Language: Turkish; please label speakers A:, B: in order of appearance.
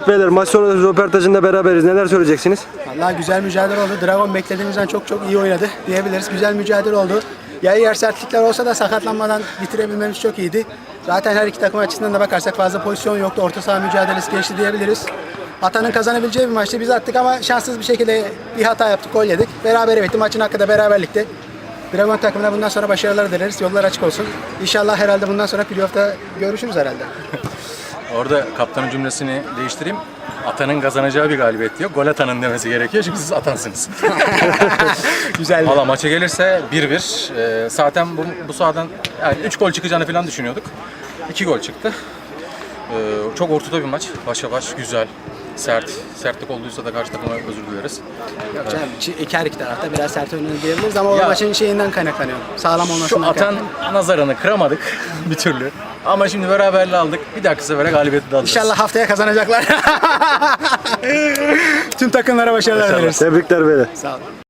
A: Beyler maç sonrası röportajında beraberiz. Neler söyleyeceksiniz?
B: Vallahi güzel mücadele oldu. Dragon beklediğimizden çok iyi oynadı diyebiliriz. Güzel mücadele oldu. Yer sertlikler olsa da sakatlanmadan bitirebilmemiz çok iyiydi. Zaten her iki takım açısından da bakarsak fazla pozisyon yoktu. Orta saha mücadelesi geçti diyebiliriz. Atanın kazanabileceği bir maçtı. Biz attık ama şanssız bir şekilde bir hata yaptık, gol yedik. Berabere bitti. Maçın hakkı da beraberlikti. Dragon takımına bundan sonra başarılar dileriz. Yollar açık olsun. İnşallah herhalde bundan sonra playoff'ta görüşürüz herhalde.
C: Orada kaptanın cümlesini değiştireyim. Atanın kazanacağı bir galibiyet diyor. Gol atanın demesi gerekiyor çünkü siz atansınız.
B: Güzel.
C: Valla maça gelirse 1-1. Zaten bu sahadan yani 3 gol çıkacağını falan düşünüyorduk. 2 gol çıktı. Çok ortada bir maç. Başa baş, güzel, sert. Sertlik olduysa da karşı takıma özür dileriz.
B: Yok canım, her iki tarafta biraz sert oynadı diyebiliriz ama o
C: Ya,
B: maçın şeyinden kaynaklanıyor. Sağlam
C: Şu
B: olmasından
C: atan
B: kaynaklanıyor.
C: nazarını kıramadık bir türlü. Ama şimdi beraberliği aldık. Bir dahaki sefere galibiyeti de alacağız.
B: İnşallah haftaya kazanacaklar. Tüm takımlara başarılar dileriz.
A: Tebrikler beyler.
B: Sağ olun.